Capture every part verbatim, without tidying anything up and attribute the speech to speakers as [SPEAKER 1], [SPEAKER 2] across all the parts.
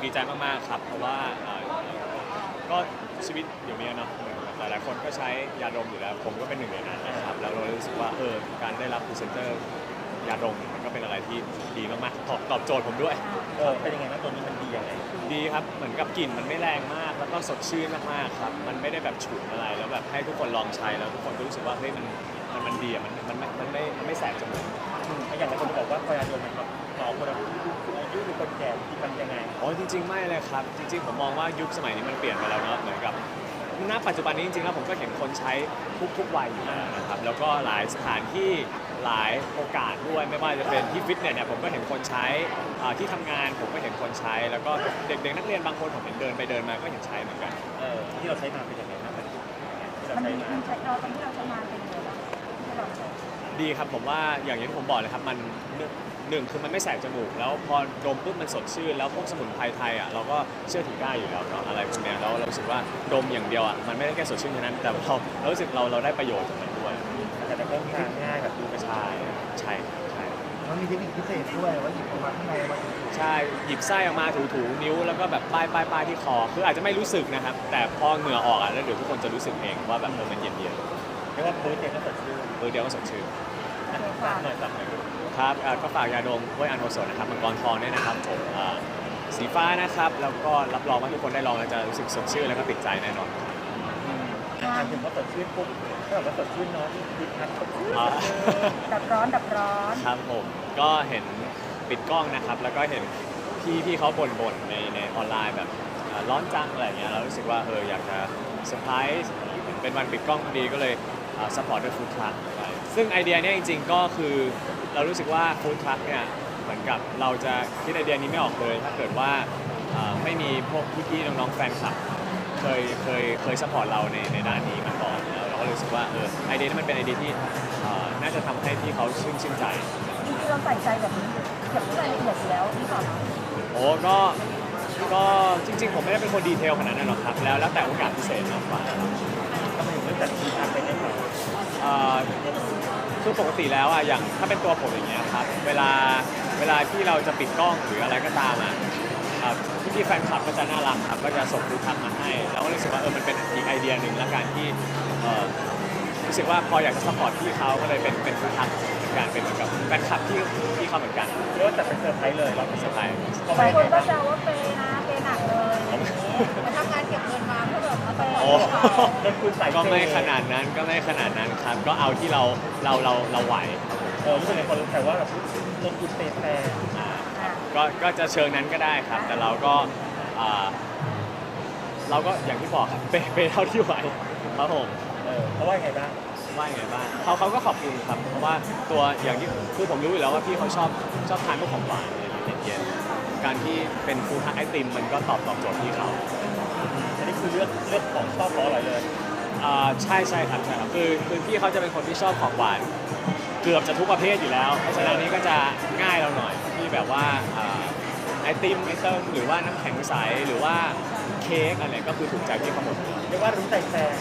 [SPEAKER 1] ดีใจมากๆครับเพราะว่าเอ่อก็ชีวิตเดี๋ยวนี้เนาะหลายๆคนก็ใช้ยาดมอยู่แล้วผมก็เป็นหนึ่งในนั้นนะครับแล้วเรารู้สึกว่าเออการได้รับพรีเซนเตอร์ยาดมมันก็เป็นอะไรที่ดีมากๆตอบตอบโจทย์ผมด้วย
[SPEAKER 2] เออเป็นยังไงบ้างตัวนี้มันดียังไง
[SPEAKER 1] ดีครับเหมือนกับกลิ่นมันไม่แรงมากแล้วก็สดชื่นมากๆครับมันไม่ได้แบบฉุนอะไรแล้วแบบให้ทุกคนลองใช้แล้วทุกคนก็รู้สึกว่าเฮ้ยมันมันมันดีอะมันมันมันไม่มันไม่แสบจมูก
[SPEAKER 2] อืมอย่างไรคนจะบอกว่าพอยาดมมันแบบเหมาะคนอายุอายุหรือคนแก่ที่มันยังไง
[SPEAKER 1] อ๋อจริงๆไม่เลยครับจริงๆผมมองว่ายุคสมัยนี้มันเปลี่ยนไปแล้วเนาะเหมือนกับณปัจจุบันนี้จริงๆแล้วผมก็เห็นคนใช้ทุกๆวัยอยู่แล้วนะครับแล้วก็หลายสถานที่หลายโอกาสด้วยไม่ว่าจะเป็นที่ฟิตเนสเนี่ยผมก็เห็นคนใช้อ่าที่ทำงานผมก็เห็นคนใช้ แล้วก็เด็กๆนักเรียนบางคนผมเห็นเดินไปเดินมาก็เห็นใช้เหมือนกัน
[SPEAKER 2] เออที่เราใช้มาเป็นยังไงบ้างที่เรา
[SPEAKER 3] มัน
[SPEAKER 2] ใช้
[SPEAKER 3] ดี
[SPEAKER 2] มา
[SPEAKER 3] มันใช้เราตอนที่เราใช้งานเป็นยังไงบ้างที่เราใช้
[SPEAKER 1] ดีครับผมว่าอย่างที่ผมบอกเลยครับมันหนึ่งหนึ่งคือมันไม่แสบจมูกแล้วพอดมปุ๊บมันสดชื่นแล้วพวกสมุนไพรไทยอ่ะเราก็เชื่อถือได้อยู่แล้วเนาะอะไรพวกเนี้ยแล้วเรารู้สึกว่าดมอย่างเดียวอ่ะมันไม่ได้แค่สดชื่นเท่านั้นแต่เราเรารู้สึกเราเราได้ประโยชน์จากมันด้วย
[SPEAKER 2] แต่จะต้องทานง่ายแบบดูกระชา
[SPEAKER 1] ใช่ใช่ใช่
[SPEAKER 4] มันมีเทคนิคพิเศษด้วยว่าหยิบออกมาข้างในมาถึง
[SPEAKER 1] ใช่หยิบไส้ออกมาถูๆนิ้วแล้วก็แบบป้ายป้ายป้ายที่คอคืออาจจะไม่รู้สึกนะครับแต่พอเหงื่อออกอ่ะแล้วเดี๋ยวทุกคนจะรู้สึกเองว่าแบบเออมันเย็นเย็น
[SPEAKER 2] เรียกว่าพื้นเองก็สดชื่น
[SPEAKER 1] เออเดียวก็สดชื่น
[SPEAKER 2] อ่ะฝากหน่อยฝากหน่อย
[SPEAKER 1] ครับเอ่อก็ฝากยาดมกล้วยอันโทโซนนะครับมังกรทองเนี่ยนะครับผมเอ่อสีฟ้านะครับแล้วก็รับรองว่าทุกคนได้ลองแล้วจะรู้สึกสดชื่นแล้วก็ติดใจแน่นอน
[SPEAKER 2] อืมอ่ะถามถึงว่าสดชื่นปุ๊บถ้าแบบว่าสดชื่นเนาะที่คิดนะสดชื่น
[SPEAKER 1] อ่า
[SPEAKER 3] ดับร้อนดับร้อน
[SPEAKER 1] ครับผมก็เห็นปิดกล้องนะครับแล้วก็เห็นพี่พี่เขาบ่นๆในในออนไลน์แบบเอ่อร้อนจังอะไรอย่างเงี้ยเรารู้สึกว่าเอออยากจะเซอร์ไพรส์เป็นวันปิดกล้องพอดีก็เลยสปอร์ตด้วยฟู้ดทรัคไปซึ่งไอเดียเนี้ยจริงๆก็คือเรารู้สึกว่าฟู้ดทรัคเนี่ยเหมือนกับเราจะคิดไอเดียนี้ไม่ออกเลยถ้าเกิดว่าเอ่อไม่มีพวกพี่ๆน้องๆแฟนคลับเคยเคยเคยสปอร์ตเราในในด้านนี้มาก่อนแล้วเราก็รู้สึกว่าเออไอเดียนี้มันเป็นไอเดียที่เอ่อน่าจะทำให้พี่เขาชื่นชื่นใจ
[SPEAKER 3] จริงๆเราใส่ใจแบบนี้เก็บทุกรายละเอียดอยู่แล้วนี่ก่อน
[SPEAKER 1] โอ้ก็ ก็จริงๆ ผมไม่ได้เป็นคนดีเทลขนาดนั้นหรอกครับ แล้วแล้วแต่โอกาสพิเศษมากกว่า
[SPEAKER 2] ทำไมถึงเลือกจัดทีมทำไปได้ไหม
[SPEAKER 1] เอ่อคือปกติแล้วอ่ะ อย่างถ้าเป็นตัวผมอย่างเงี้ยครับ เวลา เวลาที่เราจะปิดกล้องหรืออะไรก็ตามอ่ะพี่พี่ๆแฟนคลับก็จะน่ารักครับ ก็จะส่งรูปทักมาให้ แล้วก็รู้สึกว่าเออ มันเป็นอีกไอเดียหนึ่งละกันที่เอ่อรู้สึกว่าพออยากจะสปอร์ตพี่เขาก็เลยเป็นเป็นรูปทักเหมือนกันเป็นเหมือนกับแฟนคลับที่พี่เขาเหมือนกัน
[SPEAKER 2] เรียกว่าจัดเป็นเซอร์ไพรส์เลยเรา
[SPEAKER 1] เป็นเซอร์ไพรส์
[SPEAKER 2] เขา
[SPEAKER 3] หลา
[SPEAKER 2] ไม่
[SPEAKER 3] ยค
[SPEAKER 2] ได้
[SPEAKER 3] น
[SPEAKER 2] ไง
[SPEAKER 3] ก็
[SPEAKER 2] บ้าง
[SPEAKER 3] แซวว่าเปย์นะเปย์หนักเลยมาทำงานเก็บเงินมาเพื่อแบบมาสปอร์ต
[SPEAKER 1] โอ้
[SPEAKER 2] เงินคุณใส่
[SPEAKER 1] ก็ไม่ขนาดนั้นก็ไม่ขนาดนั้นครับ ก็เอาที่เราเราเราเราไหว
[SPEAKER 2] เออรู้สึกในคนรู้แต่ว่าแบบเงินคุณเปย์แฟร์
[SPEAKER 1] อ่า
[SPEAKER 3] อ่ะ
[SPEAKER 1] ก็ก็จะเชิงนั้นก็ได้ครับ แต่เราก็อ่าเราก็อย่างที่บอกครับเปย์เปย์เท่าที่ไหวครับผม
[SPEAKER 2] เออเขาว่ายังไงบ้าง
[SPEAKER 1] ว่าอย่างไงบ้างเขาเขาก็ขอบคุณครับเพราะว่าตัวอย่างที่คือผมรู้อยู่แล้วว่าพี่เขาชอบชอบทานพวกของหวานเย็นๆการที่เป็นฟู้ดทักไอติมมันก็ตอบตอบโจทย์พี่เขา
[SPEAKER 2] อันนี้คือเลือกเลือกของชอบของอร่อยเลย
[SPEAKER 1] อ่าใช่ใช่ครับใช่ครับคือคือพี่เขาจะเป็นคนที่ชอบของหวานเกือบจะทุกประเภทอยู่แล้ว เพราะฉะนั้นนี้ก็จะง่ายเราหน่อยที่แบบว่าอ่าไอติมไอเติมหรือว่าน้ำแข็งใสหรือว่าเค้กอะไรก็คือถูกใจพี่เขาหมดเลย
[SPEAKER 2] เรียกว่ารู้ใจแฟร์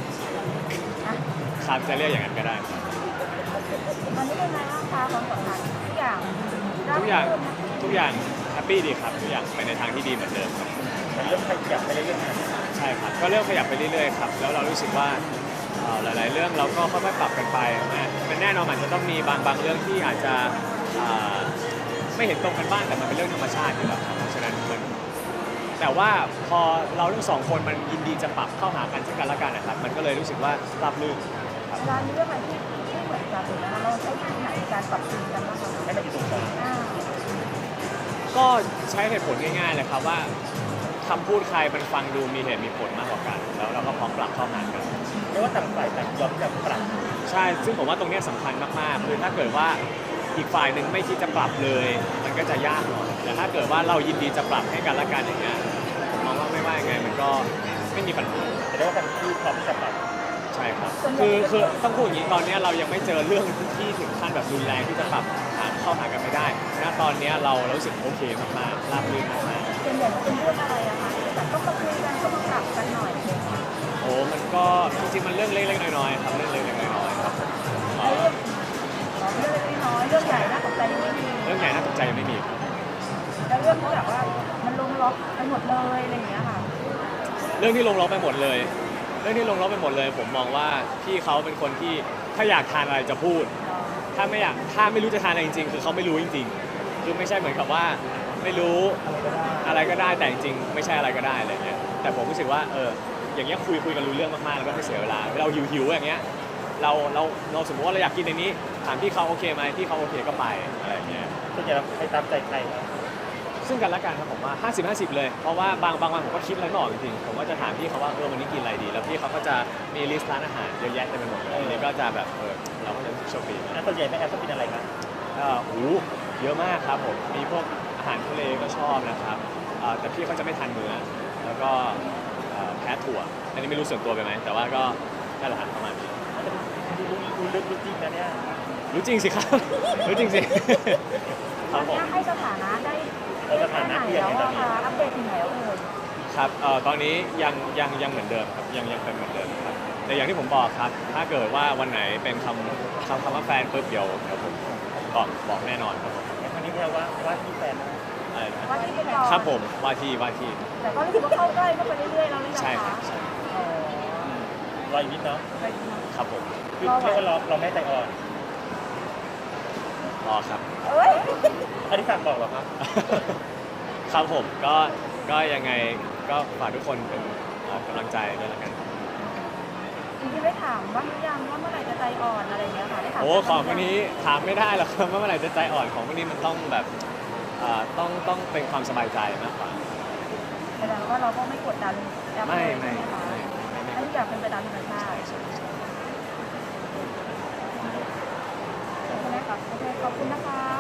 [SPEAKER 1] ครับจะเรียกอย่างนั้นก็ได้
[SPEAKER 3] ตอนนี้เป็นไงบ้างคะความสัมพันธ์ทุกอย่าง
[SPEAKER 1] ทุกอย่างทุกอย่างแฮปปี้ดีครับทุกอย่างไปในทางที่ดีเหมือนเดิมครับ
[SPEAKER 2] มันเริ่มขยับไปเรื่อยๆนะ
[SPEAKER 1] ใช่ครับก็เริ่มขยับไปเรื่อยๆครับแล้วเรารู้สึกว่าเอ่อหลายๆ เรื่องเราก็ค่อยๆปรับกันไปนะมันแน่นอนมันจะต้องมีบางบางเรื่องที่อาจจะอ่าไม่เห็นตรงกันบ้างแต่มันเป็นเรื่องธรรมชาติอยู่แล้วครับเพราะฉะนั้นมันแต่ว่าพอเราทั้งสองคนมันยินดีจะปรับเข้าหากันซึ่งกันและกันนะครับมันก็เลยรู้สึกว่าราบรื่นครับ
[SPEAKER 3] เวลามีเรื่องอะไรที่ไม่เหมือนกันหรือนะคะเราใช้วิธีไหนในการปรับจูนกันบ้างคะ
[SPEAKER 2] ให้มันอยู่ตรงกลาง
[SPEAKER 3] อ่า
[SPEAKER 1] ก็ใช้เหตุผลง่ายๆเลยครับว่าคำพูดใครมันฟังดูมีเหตุมีผลมากกว่ากัน แล้วเราก็พร้อมปรับเข้าหากัน
[SPEAKER 2] เรียกว่าต่างฝ่ายต่างยอมที่จะปรับ
[SPEAKER 1] ใช่ ซึ่งผมว่าตรงเนี้ยสำคัญมากๆ คือถ้าเกิดว่าอีกฝ่ายหนึ่งไม่คิดจะปรับเลย มันก็จะยากหน่อย แต่ถ้าเกิดว่าเรายินดีจะปรับให้กันและกันอย่างเงี้ยผมมองว่าไม่ว่ายังไงมันก็ไม่มีปัญหา
[SPEAKER 2] แต่เรียกว่าทั้งคู่พร้อมที่จะปรับ
[SPEAKER 1] ใช่ครับ คือคือต้องพูดอย่างนี้ตอนเนี้ยเรายังไม่เจอเรื่องที่ถึงขั้นแบบรุนแรงที่จะปรับหาเข้าหากันไม่ได้ณตอนเนี้ยเราเรารู้สึกโอเคมากๆราบรื่นมากๆ
[SPEAKER 3] ส่วนใหญ่มันเป็นเรื่องอะไรอะคะที่แบบต้องมาคุยกันต้องมาปรับกันหน่อยอะไรอย่างเงี้ย
[SPEAKER 1] โอ้มันก็จริงๆมันเรื่องเล็กๆน้อยๆครับเรื่องเล็กๆน้อยๆครับเอ่อ
[SPEAKER 3] เรื่องเล็กๆน้อยๆเรื่องใหญ่น่าตกใจยังไม่มี
[SPEAKER 1] เรื่องใหญ่น่าตกใจยังไม่มีครับ
[SPEAKER 3] แล้วเรื่องที่แบบว่ามันลงล็อกไปหมดเลยอะไรอย่างเงี้ยค่ะ
[SPEAKER 1] เรื่องที่ลงล็อกไปหมดเลย เรื่องที่ลงล็อกไปหมดเลย ผมมองว่าพี่เขาเป็นคนที่ถ้าอยากทานอะไรจะพูด ถ้าไม่อยากถ้าไม่รู้จะทานอะไรจริงๆคือเขาไม่รู้จริงๆคือไม่ใช่เหมือนกับว่าไม่รู้
[SPEAKER 4] อะไรก็ได้
[SPEAKER 1] อะไรก็ได้แต่จริงๆไม่ใช่อะไรก็ได้อะไรเงี้ยแต่ผมรู้สึกว่าเอออย่างเงี้ยคุยคุยกันรู้เรื่องมากๆแล้วก็ไม่เสียเวลาเราหิวหิวๆอย่างเงี้ยเราเราเราสมมติว่าเราอยากกินในนี้ถามพี่เขาโอเคไหมพี่เขาโอเคก็ไปอะไรเงี้ย
[SPEAKER 2] ส่วนใหญ่เราไปตามใจใครครับ
[SPEAKER 1] ซึ่งกันและกันครับผมว่า ห้าสิบ ห้าสิบ เลยเพราะว่าบางบางวันผมก็คิดอะไรไม่ออกจริงๆผมก็จะถามพี่เขาว่าเออวันนี้กินอะไรดีแล้วพี่เขาก็จะมีลิสต์ร้านอาหารเยอะแยะเต็มไปหมดเลยอันนี้ก็จะแบบเออเราก็จะโชคดี
[SPEAKER 2] อ่ะส่วนใหญ่แม่แอฟชอบกินอะไรครับ
[SPEAKER 1] ก็โอ้โหเยอะมากครับผมมีพวกอาหารทะเลก็ชอบนะครับเอ่อแต่พี่เขาจะไม่ทานเนื้อแล้วก็เอ่อแพ้ถั่วอันนี้ไม่รู้ส่วนตัวไปไหมแต่ว่าก็นั่นแหละครับประมาณนี้
[SPEAKER 2] อาจจะดูรู้รู้ลึกรู้จริงนะเนี่ย
[SPEAKER 1] รู้จริงสิครับ รู้จริงสิครับผม
[SPEAKER 3] ถ้าให้สถานะได้
[SPEAKER 2] เออสถานะ
[SPEAKER 3] ไหน
[SPEAKER 2] เปลี่ยน
[SPEAKER 3] แล้ว
[SPEAKER 2] ในตอน
[SPEAKER 3] อะ
[SPEAKER 2] นี้
[SPEAKER 3] คะอัปเดตถึงไหนแล้วเอ่ย
[SPEAKER 1] ครับเอ่อตอนนี้ยังยังยังเหมือนเดิมครับยังยังเป็นเหมือนเดิมครับแต่อย่างที่ผมบอกครับ ถ้าเกิดว่าวันไหนเป็นคำคำคำว่าแฟนปุ๊บเดี๋ยวเดี๋ยวผมบอกบอกแน่นอนครับผม
[SPEAKER 2] ในครั้งนี้เราว่าว่าที่แฟนนะ
[SPEAKER 1] อะไรนะ
[SPEAKER 3] ว่าที่เป็นก่อน
[SPEAKER 1] ครับผมว่าที่ว่าที่
[SPEAKER 3] แต่ก็รู้สึกว่าเข้าใกล้เข้าไปเรื่อยๆแล้วหรือยัง
[SPEAKER 1] ใช่ครั
[SPEAKER 3] คะ
[SPEAKER 1] บใช่
[SPEAKER 3] อ๋อ
[SPEAKER 2] รออีกนิดเนาะ
[SPEAKER 3] ไปดูนะครับ
[SPEAKER 1] ผม
[SPEAKER 2] คือแค่ว่าเราเราไม่ใจอ่อน
[SPEAKER 1] รอครับ
[SPEAKER 3] เอ้ย
[SPEAKER 2] อันนี้ฝากบอกเหรอครับ
[SPEAKER 1] ครับผมก็ก็ยังไงก็ฝากทุกคนเป็นเอ่อกำลังใจด้วยละกัน
[SPEAKER 3] จริงๆได้ถามบ้างหรือยังว่าเมื่อไหร่จะใจอ่อนอะไรอย่างเงี้ยค่ะได้ถาม
[SPEAKER 1] โอ้ของพวกนี้ถามไม่ได้หรอกครับว่าเมื่อไหร่จะใจอ่อนของพวกนี้มันต้องแบบเอ่อต้องต้องเป็นความสบายใจมากกว่า
[SPEAKER 3] แสดงว่าเราก็ไม่กดดันแอป
[SPEAKER 1] ไม่
[SPEAKER 3] เลย
[SPEAKER 1] ไม่
[SPEAKER 3] ใช่ไหมคะ
[SPEAKER 1] ไม่ไม่ไม่
[SPEAKER 3] ให้ทุกอย่างเป็นไปตามธรรมชาติ
[SPEAKER 1] ใช่ใช่
[SPEAKER 3] ใช่ไหมคะโอเคขอบคุณนะคะ